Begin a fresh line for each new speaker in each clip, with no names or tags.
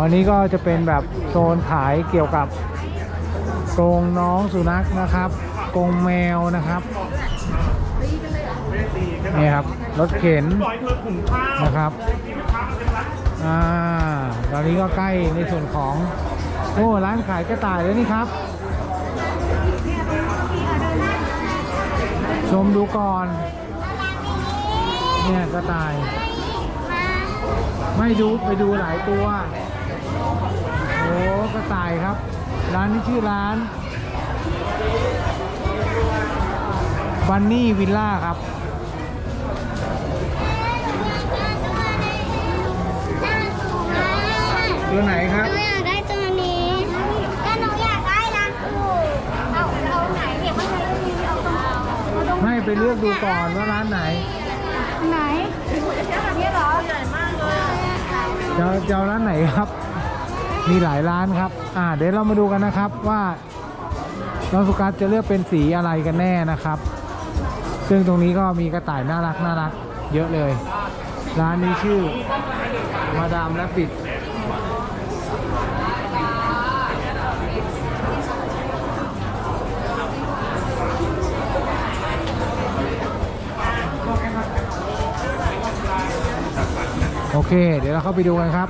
อันนี้ก็จะเป็นแบบโซนขายเกี่ยวกับกรงน้องสุนัขนะครับกรงแมวนะครับนี่ครับรถเข็นนะครับตอนนี้ก็ใกล้ในส่วนของร้านขายกระต่ายแล้วนี่ครับชมดูก่อนเนี่ยกระต่ายไม่ดูไปดูหลายตัวโอ้กระต่ายครับร้านนี้ชื่อร้านบันนี่วิลล่าครับตัวไหนครับ
หนูอยากได้ตัวนี้ก็หนูอยากได้ร้านอู่เอาไหนเก็บไว้ไหนก็มีเอาตรง
ไม่ไปเลือกดูก่อนว่าร้านไหน
นี่เหรอใหญ่มากเลย
จะเอาร้านไหนครับมีหลายร้านครับเดี๋ยวเรามาดูกันนะครับว่าน้องสุกัสจะเลือกเป็นสีอะไรกันแน่นะครับซึ่งตรงนี้ก็มีกระต่ายน่ารักเยอะเลยร้านนี้ชื่อมาดามและปิดโอเคเดี๋ยวเราเข้าไปดูกันครับ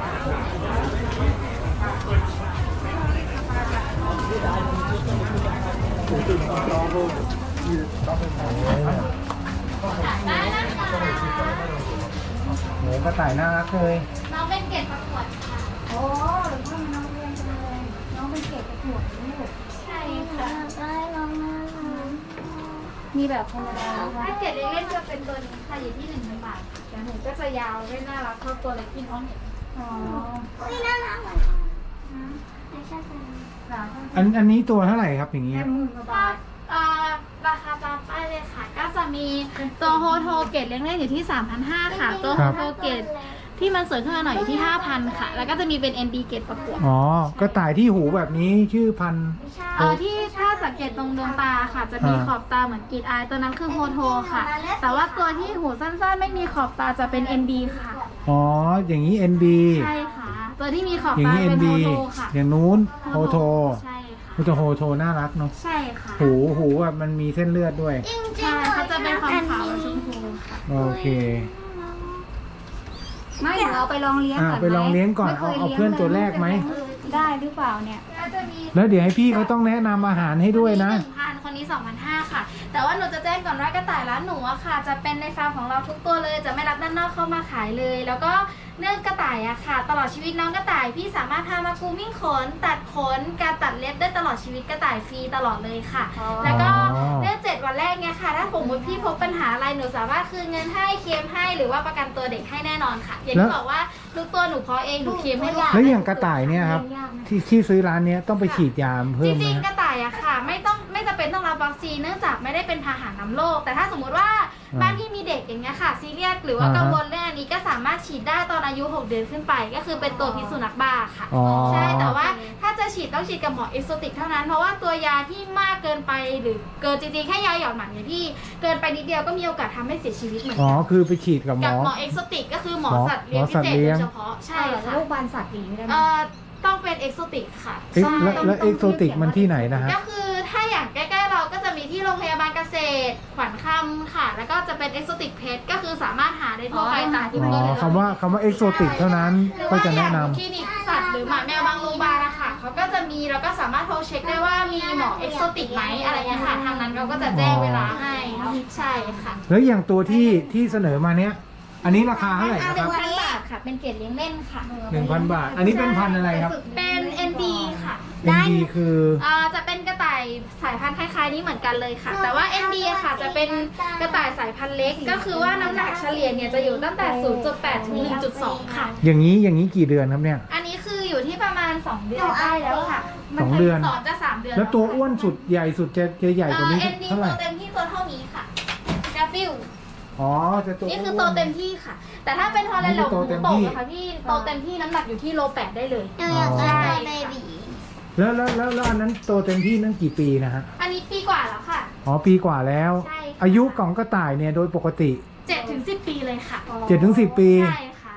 โหกระต่ายน่ารักเลย
น้องเป็นเกรดประกวดค่ะโอ้หรือว่าน้องเรียนจังเลยน้องเป็นเกรดประกวดลูกใช่ค่ะได้น้องน่ารักมีแบบธรรมดาถ้าเกรดเล่นๆจะเป็นตัวนี้ค่ะอยู่ที่1,000 บาทแต่หนูก็จะยาวไม่น่ารักเท่าตัวเล็กที่น้องเห็นนี่น่ารักเหมือนกันไม่ใช่ตัว
อันนี้ตัวเท่าไหร่ครับอย่างนี้
ราคาตามป้ายเลยค่ะก็จะมีตัวโฮโทเกตเล่นๆอยู่ที่ 3,500 ค่ะตัวโฮโทเกตที่มันสวยขึ้นมาหน่อยอยู่ที่ 5,000 ค่ะแล้วก็จะมีเป็น ND เกตประกวด
กระต่ายที่หูแบบนี้ชื่อพัน
ที่ถ้าสังเกตตรงดวงตาค่ะจะมีขอบตาเหมือนกรีดอายตัวนั้นคือโฮโทค่ะแต่ว่าตัวที่หูสั้นๆไม่มีขอบตาจะเป็น ND ค่ะ
อย่างนี้ ND
ใช่ค่ะตัวที่มีขอบ
ตา
เป็นโฮโทค่ะ
อย่างนู้นโฮโท
ใช่ค่ะ
มันจะโฮโทน่ารักเนาะ
ใช่ค่ะ
หูแบบมันมีเส้นเลือดด้วย
ใช่เขาจะเป็นความขาวชมพูค่ะ
โอเค
ไม่เราไปลองเลี้ยงก่อน
ไปลองเลี้ยงก่อนเอาเพื่อนตัวแรกไหม
ได้หรือเปล่าเนี่ย
แล้วเดี๋ยวให้พี่เขาต้องแนะนำอาหารให้ด้วยนะ
1,000คนนี้ 2,500 ค่ะแต่ว่าหนูจะแจ้งก่อนว่ากระต่ายร้านหนูอะค่ะจะเป็นในฟาร์มของเราทุกตัวเลยจะไม่รับด้านนอกเข้ามาขายเลยแล้วก็เรื่องกระต่ายอะค่ะตลอดชีวิตน้องกระต่ายพี่สามารถพามากูมิ่งขนตัดขนการตัดเล็บได้ตลอดชีวิตกระต่ายฟรีตลอดเลยค่ะแล้วก็เรื่อง7 วันแรกเนี่ยค่ะถ้าผมพี่พบปัญหาอะไรหนูสามารถคืนเงินให้เคลมให้หรือว่าประกันตัวเด็กให้แน่นอนค่ะอย่างที่บอกว่าทุกตัวหนูเพาะเองหนูเคลมให้
แล้วอย่างกระต่ายเนี่ยครับที่ซื้อร้านนี้ต้องไปฉีดยาเพิ่มไหม
จริงๆกระต่ายอะค่ะไม่จำเป็นต้องรับวัคซีนเนื่องจากไม่ได้เป็นพาหะนำโรคแต่ถ้าสมมติว่าบ้านที่มีเด็กอย่างเงี้ยค่ะซีเรียสหรือว่ากังวลเรื่องอันนี้ก็สามารถฉีดได้ตอนอายุ6 เดือนขึ้นไปก็คือเป็นตัวพิษสุนัขบ้าค่ะใช่แต่ว่าถ้าจะฉีดต้องฉีดกับหมอเอ็กโซติกเท่านั้นเพราะว่าตัวยาที่มากเกินไปหรือเกินจริงๆแค่ยาหยอดหมันเนี่ยพี่เกินไปนิดเดียวก็มีโอกาสทำให้เสียชีวิตเหมือนกัน
คือไปฉีดกับหมอ
เอ็กโซติกก็คือหมอสัตว์เลี้ยงพิเศษโดยเฉพาะใช่ค่ะ
โรคบานสัตว์หนีไม่ได้
ต้องเป็นเอ็กโซติกค่ะ
แล้วเอ็กโซติกมันที่ไหนนะฮะ
ก็คือถ้าอย่างใกล้ๆเราก็จะมีที่โรงพยาบาลเกษตรขวัญคำค่ะแล้วก็จะเป็นเอ็กโซติกเพชก็คือสามารถหาได้ทั่วไปตามที่
คำว่าเอ็กโซติกเท่านั้นก็จะแนะนำ
คลินิกสัตว์หรือหมาแมวบางโรงพยาบาลนะคะเขาก็จะมีแล้วก็สามารถโทรเช็คได้ว่ามีหมอเอ็กโซติกไหมอะไรเงี้ยค่ะทางนั้นเราก็จะแจ้งเวลาให้ใช่ค่ะ
แล้วอย่างตัวที่เสนอมาเนี้ยอันนี้ราคาเท่าไหร่ครับ
1,000 บาทค่ะเป็นเกรดเลี้ยงเล่นค่ะ
1,000 บาทอันนี้เป็นพันธุ์อะไรครับ
เป็น ND ค่ะ
ND คือ
จะเป็นกระต่ายสายพันธุ์คล้ายๆนี้เหมือนกันเลยค่ะแต่ว่า ND ค่ะจะเป็นกระต่ายสายพันธุ์เล็กก็คือว่าน้ำหนักเฉลี่ยเนี่ยจะอยู่ตั้งแต่ 0.8 ถึง 1.2 ค่ะ
อย่างนี้กี่เดือนครับเนี่ย
อันนี้คืออยู่ที่ประมาณ2 เดือนได้แล้วค่ะ
2 เดือน
2 จะ 3 เดือน
แล้วตัวอ้วนสุดใหญ่สุดจะใหญ่กว่านี้เท่าไหร่
ตัวเต็มที่ตัวเท่านี้ค่ะกาฟิลนี่คือโตเต็มที่ค่ะแต่ถ้าเป็นฮอลแลนด์เราโตนะคะพี่โตเต็มที่น้ำหนักอยู่ที่โล 8ได้เลย
ใช่
แล้วอันนั้นโตเต็มที่นั่นกี่ปีนะฮะ
อันนี้ปีกว่าแล้วค่ะ
ปีกว่าแล้วอายุของกระต่ายเนี่ยโดยปกติ
7 ถึง 10 ปีเลยค่ะ
7 ถึง 10 ปี
ใช่ค่ะ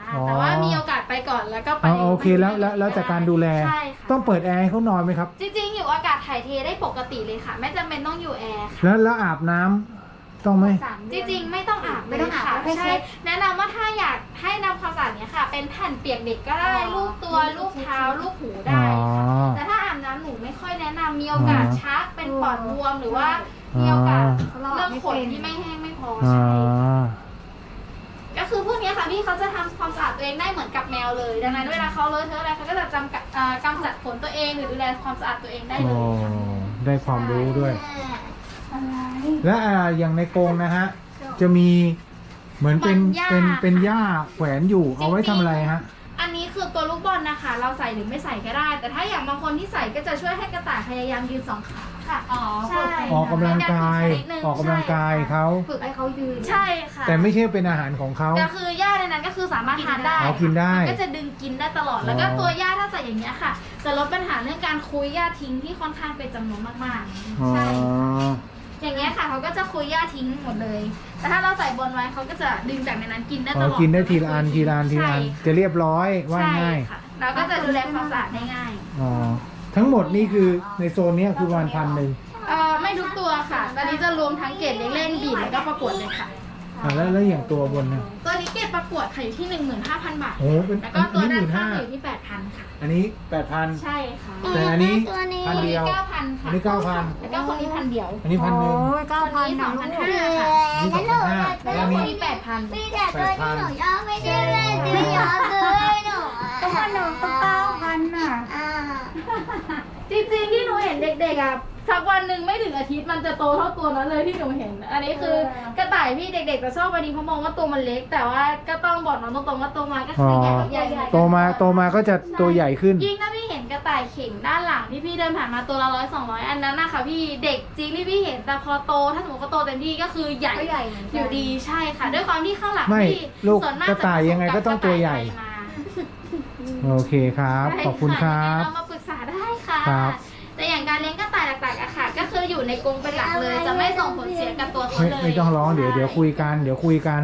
ค่ะ
อ๋อ
แต่ว่ามีโอกาสไปก่อนแล้วก็ไป
อ๋อโอเคแล้วจากการดูแล
ใช่ค่ะ
ต้องเปิดแอร์ให้เขานอนไหมครับ
จริงๆอยู่อากาศถ่ายเทได้ปกติเลยค่ะ ไม่จำเป็นต้องอยู่แอร์ค่ะ
แล้วอาบน้ำต้องไหม
จริงๆไม่ต้องอาบ
ไม่ต้องอาบ
ค่ะ
แค่เช็
ใช่
ด
แนะนำว่าถ้าอยากให้นำความสะอาดเนี้ยค่ะ เป็นแผ่นเปียกเด็กก็ได้
อ๋อ
ลูบตัวลูบเท้าลูบหู
อ๋
ได้
อ
ค่ะแต่ถ้าอาบน้ำหนูไม่ค่อยแนะนำมีโอกาส
อ๋อ
ชักเป็นปอดบวมหรือว่ามีโอกาส
อ๋อ
เรื่องขนที่ไม่แห้งไม่พอ
อ๋อ
ใช่ก็คือพวกเนี้ยค่ะพี่เขาจะทำความสะอาดตัวเองได้เหมือนกับแมวเลย ดังนั้นเวลาเขาเลอะเทอะอะไรเขาก็จะกำจัดขนตัวเองหรือดูแลความสะอาดตัวเองได้เล
โอ้
ยค่ะ
ได้ความรู้ด้วย
อะไร
และอย่างในกรงนะฮะ จะมีเหมือนเป็น
มันหญ้า
เป็นหญ้าแขวนอยู่ เอาไว้ทำอะไรฮะ
อันนี้คือตัวลูกบอลนะคะ เราใส่หรือไม่ใส่ก็ได้ แต่ถ้าอย่างบางคนที่ใส่ก็จะช่วยให้กระต่ายพยายามยืนสองขาค่ะ
อ๋อ
ใช่
ออกกำลังกาย
เป็นการฝึกชนิดหนึ่ง
ออกกำลังกายเขา
ฝึกให้เขายืน
ใช่ค่ะ
แต่ไม่ใช่เป็นอาหารของเขา
ก็คือหญ้าในนั้นก็คือสามารถทานได้
อ๋อกินได้
มันก็จะดึงกินได้ตลอด แล้วก็
อ๋อ
ตัวหญ้าถ้าใส่อย่างเงี้ยค่ะ จะลดปัญหาเรื่องการคุยหญ้าทิ้งที่ค่อนข้างเป็นจำนวนมาก
อ๋อ
ๆ ใช่ อย่างเงี้ยค่ะเขาก็จะคุยหญ้าทิ้งหมดเลย แต่ถ้าเราใส่บนไว้เขาก็จะดึงจากในนั้นกินได้ต
อ๋อ
ลอด
กินได้ทีละอันทีละอันทีละอัน
ใช่ค่ะ
จะเรียบร้อยว่า
ใช่
ง่าย
ค่ะเราก็จะดูแลความสะอาดได้ง่าย
อ๋อทั้งหมดนี่คือในโซนเนี้ยคือประมาณ1,100
ไม่ทุกตัวค่ะ ตอนนี้จะรวมทั้งเกรดเล่นๆบีดแล้วก็ประกวดเลยค่ะ
แล้วอย่างตัวบนนะ
ตัวนี้เกรดประกวดค่ะอยู่ที่ 15,000 บาท
โอ้เป็น
แล้วก็ตัวด้านข้าง
15,000
อยู่ที่ 8,000 ค่ะ
อันนี้ 8,000
ใช่ค่ะ
แต่อันนี้
ตัวนี้
พันเดียว
9,000 ค่ะ
อันนี้ 9,000
แล้วก็คนนี้1,000 เดียว
อันนี้1,100
โอ้ย
คนนี้
9,000
2,500 ค่ะ
อันนี้2,500
แล้
แล้ว ว
ค
อัน
น
นี้
นี้ 8,000
มีแต่ตัวที่หนูชอบไม่ได้เล่นไม่ยอมเลยหนู
ตัวหนูก็9,000น่ะ
อ่า
จริงๆที่หนูเห็นเด็กๆอ่ะสักวันหนึ่งไม่ถึงอาทิตย์มันจะโตเท่าตัวนั้นเลยที่หนูเห็น อันนี้คือกระต่ายพี่เด็กๆจะชอบอันนี้เพราะมองว่าตัวมันเล็ก แต่ว่าก็ต้องบอกน้องตรงๆว่าโตมาก็คือใหญ่
โตมาก็จะตัวใหญ่ขึ้น
ยิ่งถ้าพี่เห็นกระต่ายเข่งด้านหลังที่พี่เดินผ่านมาตัวละ100-200 อันนั้นนะคะพี่เด็กจริงที่พี่เห็นแต่พอโตถ้าสมมติเขาโตเต็มที่ก็คือใหญ่
ก็ใหญ่เหมือนกัน
อยู่ดีใช่ค่ะ ด้วยความที่ข้างหลัง
ไม่
พี่
ลูก
ส่วนมาก
กระต่ายยังไงก็ต้องตัวใหญ่
จะผสมกับกระต่ายไทยมา
โอเคครับ ขอบคุณครับ
เรามาปรึกษาได้ค่ะ
ครับ
แต่อย่างการเลี้ยงกระต่ายหลักๆอะค่ะ ก็คืออยู่ในกรงเป็นหลักเลย จะไม่ส่งผลเสียกับตัวเขาเลย
ไม่ต้องร้องเดี๋ยวคุยกัน เดี๋ยวคุยกัน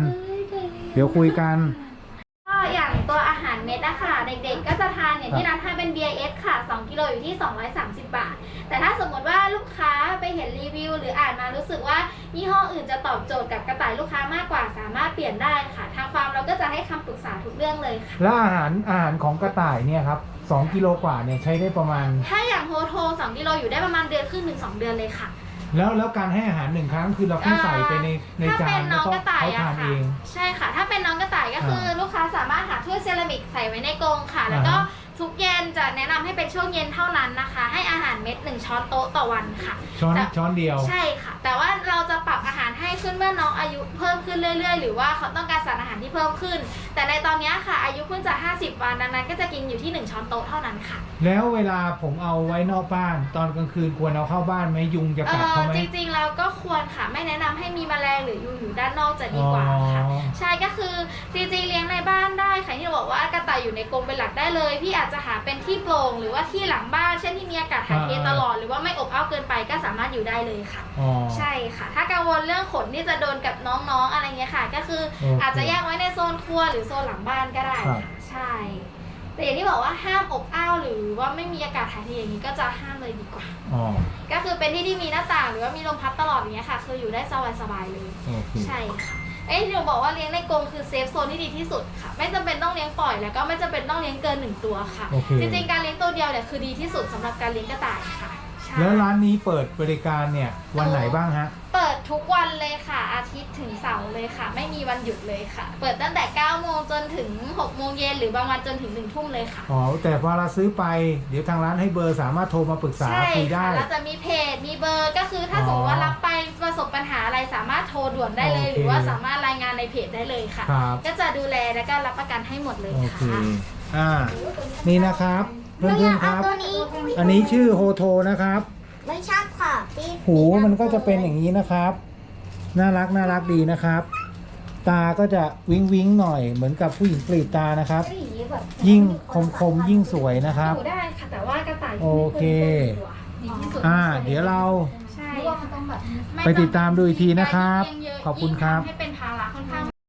ก็อย่างตัวอาหารเม็ดอะค่ะ เด็กๆก็จะทานอย่างที่ร้านทานเป็น BIS ค่ะ 2 กิโลอยู่ที่ 230 บาท แต่ถ้าสมมติว่าลูกค้าไปเห็นรีวิว หรืออ่านมารู้สึกว่ายี่ห้ออื่นจะตอบโจทย์กับกระต่ายลูกค้ามากกว่าสามารถเปลี่ยนได้ค่ะ ทางฟาร์มเราก็จะให้คำปรึกษาทุกเรื่องเลยค่ะ
แล้วอาหารของกระต่ายเนี่ยครับ2 กิโลกว่าเนี่ยใช้ได้ประมาณ
ถ้าอย่างโฮโท2 กิโลอยู่ได้ประมาณเดือนครึ่งถึง2 เดือนเลยค่ะ
แล้วการให้อาหาร1 ครั้งคือเราแค่ใส่ไปใน
ถ้า
จา
เป็น นน้
แล้ว
อง
ก็
กระต่าย
เขา
อะ
ทานเอ
ค่ะ
ง
ใช่ค่ะ ถ้าเป็นน้องกระต่ายก็คืออลูกค้าสามารถหาถ้วยเซรามิกใส่ไว้ในกรงค่ะ แล้วก็
อ่าฮะ
ทุกเย็นจะแนะนำให้เป็นช่วงเย็นเท่านั้นนะคะ ให้อาหารเม็ด1 ช้อนโต๊ะต่อวันค่ะ
ช้อนเดียว
ใช่ค่ะ แต่ว่าเราจะปรับอาหารให้ขึ้นเมื่อน้องอายุเพิ่มขึ้นเรื่อยๆ หรือว่าเขาต้องการสารอาหารที่เพิ่มขึ้น แต่ในตอนนี้ค่ะ อายุเพิ่งจะ50 วันดังนั้นก็จะกินอยู่ที่1 ช้อนโต๊ะเท่านั้นค่ะ
แล้วเวลาผมเอาไว้นอกบ้าน ตอนกลางคืนควรเอาเข้าบ้านไหมยุงจะกัดเขาไหม
จริงๆแล้วก็ควรค่ะ ไม่แนะนำให้มีแมลงหรือยุงอยู่ด้านนอกจะดีกว่าค่ะ
อ๋อ
ใช่ก็คือจริงๆเลี้ยงในบ้านได้ค่ะที่เราบอกว่ากระต่ายอยู่ในกรงเป็นหลักได้เลย พี่อาจจะหาเป็นที่โปร่งหรือว่าที่หลังบ้าน เช่นที่มีอากาศถ่ายเทตลอดหรือว่าไม่อบอ้าวเกินไปก็สามารถอยู่ได้เลยค่ะ
อ๋อ
ใช่ค่ะ ถ้ากังวลเรื่องขนที่จะโดนกับน้องๆอะไรเงี้ยค่ะ ก็คือ
โอเค
อาจจะแยกไว้ในโซนครัวหรือโซนหลังบ้านก็ได้
ครับ
ค่ะใช่ แต่อย่างที่บอกว่าห้ามอบอ้าวหรือว่าไม่มีอากาศถ่ายเทอย่างนี้ก็จะห้ามเลยดีกว่า
อ๋อ
ก็คือเป็นที่ที่มีหน้าต่างหรือว่ามีลมพัดตลอดอย่างเงี้ยค่ะ คืออยู่ได้สบายๆเลย
โอเค
ใช่ค่ะที่หนูบอกว่าเลี้ยงในกรงคือเซฟโซนที่ดีที่สุดค่ะ ไม่จำเป็นต้องเลี้ยงปล่อยแล้วก็ไม่จำเป็นต้องเลี้ยงเกิน1 ตัวค่ะ
โอเค
จริงๆการเลี้ยงตัวเดียวเนี่ยคือดีที่สุดสำหรับการเลี้ยงกระต่ายค่ะใช่
แล้วร้านนี้เปิดบริการเนี่ยวันไหนบ้างฮะ
เปิดทุกวันเลยค่ะ อาทิตย์ถึงเสาร์เลยค่ะ ไม่มีวันหยุดเลยค่ะ เปิดตั้งแต่9 โมงจนถึง6 โมงเย็นหรือบางวันจนถึง1 ทุ่มเลยค่ะ
อ๋อ แต่พอเราซื้อไป เดี๋ยวทางร้านให้เบอร์สามารถโทรมาปรึกษา
ใช่
คุยได้
ค่ะแล้วจะมีเพจมีเบอร์ก็คือถ้าสมมติว่ารับไปประสบปัญหาอะไรสามารถโทรด่วนได้เลย
โอเค
หรือว่าสามารถรายงานในเพจได้เลยค่ะ
ครับ
ก็จะดูแลและก็รับประกันให้หมดเลย
โอเค
ค่ะ
นี่นะครับ เพื่อนๆครับ
ตัวนี้
อันนี้ชื่อโฮโทนะครับ
ไม่ชอบค่ะพี่
หูมันก็จะเป็นอย่างนี้นะครับ น่ารักดีนะครับ ตาก็จะวิ้งหน่อยเหมือนกับผู้หญิงกรีดตานะครับ ยิ่งคมยิ่งสวยนะครับ
อยู่ได้ค่ะแต่ว่ากระต่าย
โอเค
ดีที่สุด
เดี๋ยวเรา
ใช่
หรือว่ามันต้องแบบ
ไปติดตามดูอีกทีนะครับ
การเลี้ยงเยอะ
ขอบคุณครับ
ยิ่งทำให้เป็นภาระค่อนข้าง
อ่า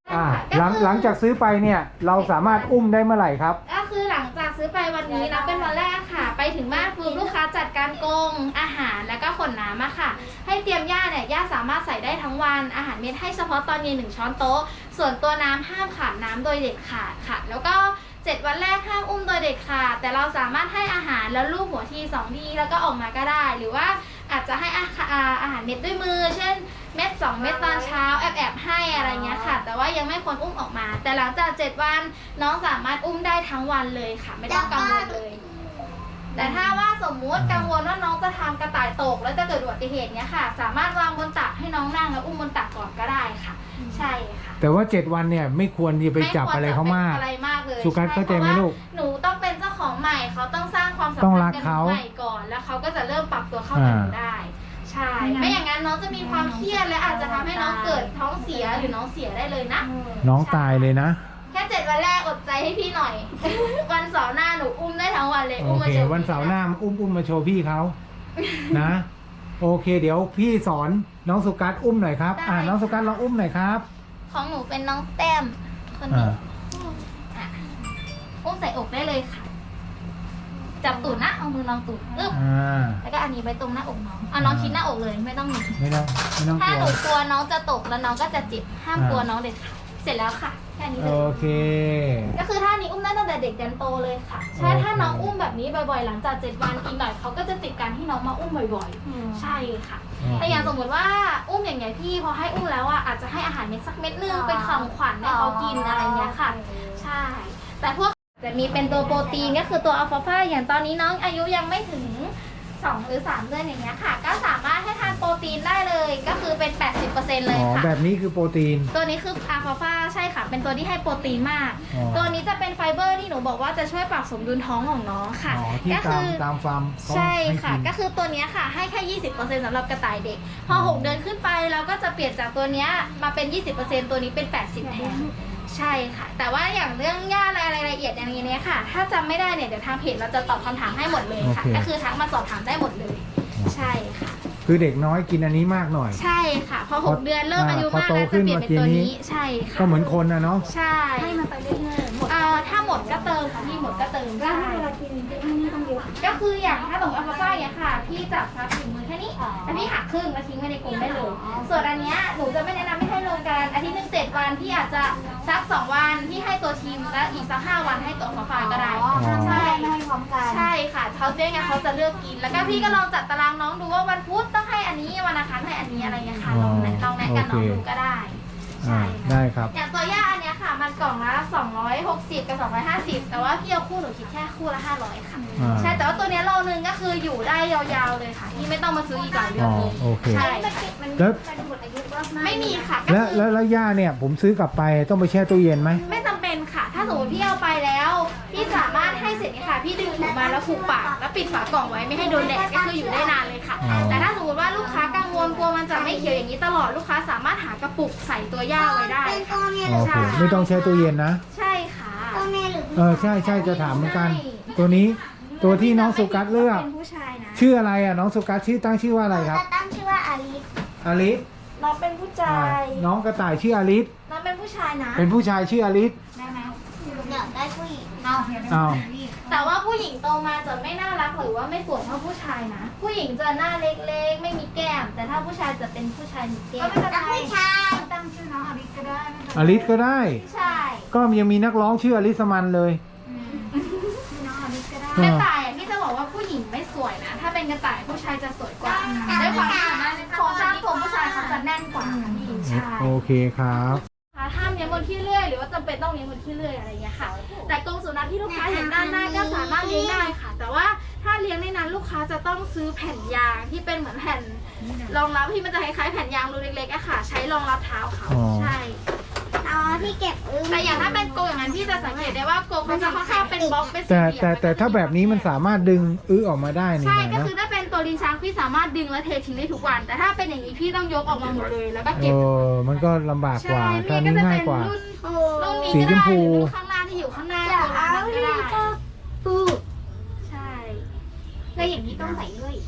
หลังจากซื้อไปเนี่ยเราสามารถอุ้มได้เมื่อไหร่ครับ
ก็คือหลังจากซื้อไปวันนี้นะเป็นวันแรกค่ะ ไปถึงบ้านคือลูกค้าจัดการกรงอาหารแล้วก็ขนน้ำอะค่ะ ให้เตรียมหญ้าเนี่ยหญ้าสามารถใส่ได้ทั้งวันอาหารเม็ดให้เฉพาะตอนเย็น1 ช้อนโต๊ะส่วนตัวน้ำห้ามขาดน้ำโดยเด็ดขาดค่ะ แล้วก็7 วันแรกห้ามอุ้มโดยเด็ดขาดแต่เราสามารถให้อาหารแล้วลูบหัวที2 ทีแล้วก็ออกมาก็ได้ หรือว่าอาจจะให้อาหารเม็ดด้วยมือ เช่นเม็ด2 เม็ดตอนเช้าแอบให้อะไรเงี้ยค่ะ แต่ว่ายังไม่ควรอุ้มออกมา แต่หลังจาก7 วันน้องสามารถอุ้มได้ทั้งวันเลยค่ะ ไม่ต้องกังวลเลย แต่ถ้าว่าสมมุติกังวลว่าน้องจะทำกระต่ายตกแล้วจะเกิดอุบัติเหตุเนี้ยค่ะ สามารถวางบนตักให้น้องนั่งแล้วอุ้มบนตักก่อนก็ได้ค่ะ ใช่ค่ะ
แต่ว่า7 วันเนี่ยไม่ควรจะไปจับอะไรเขามาก
อะไรมากเลย
สุกัสเข้าใจไหมลูก
หนูต้องเป็นเจ้าของใหม่เขาต้องสร้างความสัม
ต้อง
พัน
รัก
ธ์กับห
เขา
นูใหม่ก่อนแล้วเขาก็จะเริ่มปรับตัวเข้ากับหนูได้ ใช่ ไม่อย่างนั้นน้องจะมีความเครียดและอาจจะทำให้น้องเกิดท้องเสียหรือน้องเสียได้เลยนะ
น้องตายเลยนะ
แค่7 วันแรกอดใจให้พี่หน่อย วันเสาร์หน้าหนูอุ้มได้ทั้งวันเลย
โอ
อุ้มมา
เค
โชว์
วันเสาร์หน้าอุ้มมาโชว์พี่เขานะ โอเค เดี๋ยวพี่สอนน้องสุกัสอุ้มหน่อยครับน้องสุกัสลองอุ้มหน่อยครับ
ของหนูเป็นน้องแต้มคนนี้อ่ะอุ้มใส่อกได้เลยค่ะ จับตูดนะเอามือลองตูดอึ๊บ แล้วก็อันนี้ไปตรงหน้าอกน้องน้องชิดหน้าอกเลยไม่ต้องหนี
ไม่ต้อง
ถ้าก ห
ลั
นู
ว
กลัวน้องจะตกแล้วน้องก็จะเจ็บห้ามกลัวน้องเด็ดขาดเสร็จแล้วค่ะแค่นี้เล
โอย เค
ก็คือท่านี้อุ้มได้ตั้งแต่เด็กยันโตเลยค่ะใช่ถ้าน้องอุ้มแบบนี้บ่อยๆหลังจาก7 วันอีกหน่อยเขาก็จะติดการที่น้องมาอุ้มบ่อยๆ ใช่ค่ะแต่อย่างสมมติว่าอุ้มอย่างไงพี่พอให้อุ้มแล้วอ่ะอาจจะให้อาหารเม็ดสักเม็ดนึงไปคำขวัญให้เขากินอะไรเงี้ยค่ะ ใช่ แต่พวกจะมีเป็นตัวโปรตีนก็คือตัวอัลฟาฟาอย่างตอนนี้น้องอายุยังไม่ถึง2 หรือ 3 เดือนอย่างเงี้ยค่ะ ก็สามารถให้ทานโปรตีนได้เลยก็คือเป็น 80% เลยค่ะ
แบบนี้คือโปรตีน
ตัวนี้คืออัลฟาฟาใช่ค่ะ เป็นตัวที่ให้โปรตีนมาก
อ๋อ
ตัวนี้จะเป็นไฟเบอร์ที่หนูบอกว่าจะช่วยปรับสมดุลท้องของน้องค่ะ
ที่
ก็คือ
ตามฟาร์มเขา
ใช่
ห้
ค่ะ
กิน
ก็คือตัวเนี้ยค่ะให้แค่ 20% สำหรับกระต่ายเด็ก พอ 6 เดือนขึ้นไปเราก็จะเปลี่ยนจากตัวเนี้ยมาเป็น 20% ตัวนี้เป็น 80 แทน ใช่ค่ะ แต่ว่าอย่างเรื่องย่ารายละเอียดอย่างนี้เนี่ยค่ะ ถ้าจำไม่ได้เนี่ยเดี๋ยวทางเพจเราจะตอบคำถามให้หมดเลยค่ะ ก็คือทักมาสอบถามได้หมดเลย ใช่ค่ะ
คือเด็กน้อยกินอันนี้มากหน่อย
ใช่ค่ะ พอ 6 เดือนเริ่มอายุ
พอ
มาก
โต
แล้ว
ขึ้
จะ
น
เปลี่ยนเป็นตัว
เมื่อกี้นี้
นี้ ใช่ค่ะ
ก็เหมือนคนนะเนาะ
ใช่
ให้มันไปเรื่อยๆหมด
ถ้าหมดก็เติมค่ะพี่หมดก็เติม
แล้ว
ใช่
เวลากินไม่ต้องเยอะ
ก็คืออย่างถ้าสมมติอัลฟาฟ้าอย่างค่ะพี่จับซับถึงมือแค่นี้แล้วพี่หักครึ่งแล้วทิ้งไว้ในกรงได้เลย ส่วนอันเนี้ยหนูจะไม่แนะนำให้รวมกันอาทิตย์หนึง7 วันพี่อาจจะสัก2 วันที่ให้ตัวทีมแล้วอีกสัก5 วันให้ตัวอัลฟาฟ้าก็ได้
ใช่ไม่ให้พร้อมกัน
ใช่ค่ะเขาเรียกไงเขาจะเลือกกิน แล้วก็พี่ก็ลองจัดตารางน้องดูว่าวันพุธต้องให้อันนี้วันอังคารให้อันนี้อะไรเงี้ยค่ะลองแนะกันน้องดูก็ได้ ใช่
ได้ครับ
อย่างตัวย่าอันเนี้ยค่ะ มันกล่องละ260 กับ 250 แต่ว่าพี่เอาคู่หนูคิดแค่คู่ละ500 ค่ะ ใช่แต่ว่าตัวเนี้ยโลนึงก็คืออยู่ได้ยาวๆเลยค่ะพี่ไม่ต้องมาซื้ออีกหลายเดือนเลย
โอเค
ใช่
แล้ว
มันหมดอายุมากๆ
ไม่มีค่ะก็
แล้ว
คือ
แล้วย่าเนี่ยผมซื้อกลับไปต้องไปแช่ตู้เย็นไหม
ไม่จำเป็นค่ะ ถ้าสมมติพี่เอาไปแล้วพี่สามารถให้เสร็จเนี่ยค่ะ พี่ดึงถุงมาแล้วผูกปากแล้วปิดฝากล่องไว้ไม่ให้โดนแดดก็คืออยู่ได้นานเลยค่ะ
อ๋อ
แต่ถ้าสมมติว่าลูกค้ากังวลกลัวมันจะไม่เขียวอย่างนี้ตลอดลูกค้าสามารถหากระปุกใส่ตัวย่าไว้ได้
เป็นตั
ค่ะ
วเมียห
โอ
รือ
เคไม่ต้องแช่ตู้เย็นนะ
ใช่ค่ะ
ตัวเมียหรือผู้ชาย
ใช่จะถามเหมือนกัน ตัวนี้ตัวที่น้องสุกัสเลือก
เป็นผู้ชายนะ
ชื่ออะไรอ่ะน้องสุกัสตั้งชื่อว่าอะไรครับ
จะตั้งชื่อว่าอาลิส
อลิส
น้องเป็นผู้ชาย
น้องกระต่ายชื่ออลิส
น้องเป็นผู้ชายนะ
เป็นผู้ชายชื่ออลิส
ได้ไหม
อยากได้ผู้หญิง
อ้าว
แต่ว่าผู้หญิงโตมาจะไม่น่ารักหรือว่าไม่สวยเท่าผู้ชายนะ ผู้หญิงจะหน้าเล็กๆ ไม่มีแก้ม แต่ถ้าผู้ชายจะเป็นผู้ชายมีแก้ม
ตั้งผู้ชาย
ตั้งชื่อน้องอลิสก็ได้ไม่เป็นไร
อลิสก็ได้
ใช่
ก็ยังมีนักร้องชื่ออลิสมันเลย
ชื่อน้องอลิสก็ได้
เออ
กระต่ายอ่ะพี่จะบอกว่าผู้หญิงไม่สวยนะ ถ้าเป็นกระต่ายผู้ชายจะสวยกว่าด้วยความที่โครงสร้างตัวผู้ชายเขาจะแน่นกว่าค่ะพี่ใช่
โอเคครับ
ห้ามเลี้ยงบนที่เลื่อยหรือว่าจำเป็นต้องเลี้ยงบนที่เลื่อยอะไรอย่างเงี้ยค่ะ แต่กรงสุนัขที่ลูกค้าเห็นด้านหน้าก็สามารถเลี้ยงได้ค่ะ แต่ว่าถ้าเลี้ยงในนั้นลูกค้าจะต้องซื้อแผ่นยางที่เป็นเหมือนแผ่นรองรับที่มันจะคล้ายๆแผ่นยางรูเล็กๆอะค่ะ ใช้รองรับเท้าเขา
อ๋อ
ใช่
อ๋อที่เก็บอึ้ง
แต่อย่างถ้าเป็นกรงอย่างนั้นพี่จะสังเกตได้ว่ากรงเขาจะค่อนข้างเป็นบล็อกเป็นสี่
แต่
เหลี่ยม
แต่ถ้าแบบนี้มันสามารถดึงออกมาได้นี่
ใช่
นะ
ก็คือถ้าเป็นตัวลิ้นชักพี่สามารถดึงและเททิ้งได้ทุกวัน แต่ถ้าเป็นอย่างนี้พี่ต้องยกออกมาหมดเลยแล้วก็
เอ
เก็บ
อมันก็ลำบากกว่า
ใช่
ถ้า
พี่
นี้
ก็จะ
ง่า
เป็
ย
น
กว่า
รุ่นนี้
สี
ก็
ชม
ได้
พู
หรือรุ่นข้างหน้าที่อยู่ข้างหน้าตัวนั้นก็ได้
ปู
ใช่
แล้วอย่างนี้ต้องใส่เลื่อยอีกป่ะคะ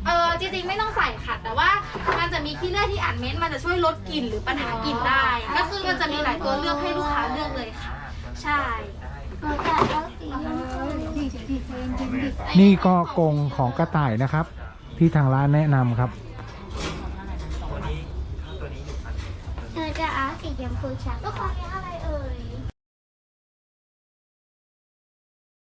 จริงๆไม่ต้องใส่ค่ะ แต่ว่ามันจะมีขี้เลื่อยที่อัดเม็ดมันจะช่วยลดกลิ่นหรือปัญหากลิ่นได้ ก็คือมันจะมีหลายตัวเลือกให้ลูกค้าเลือกเลยค่ะ ใช่
หนูจะเอาสีชมพู
นี่ก็กรงของกระต่ายนะครับ ที่ทางร้านแนะนำครับ
หนูจะเอาสีชมพูชัด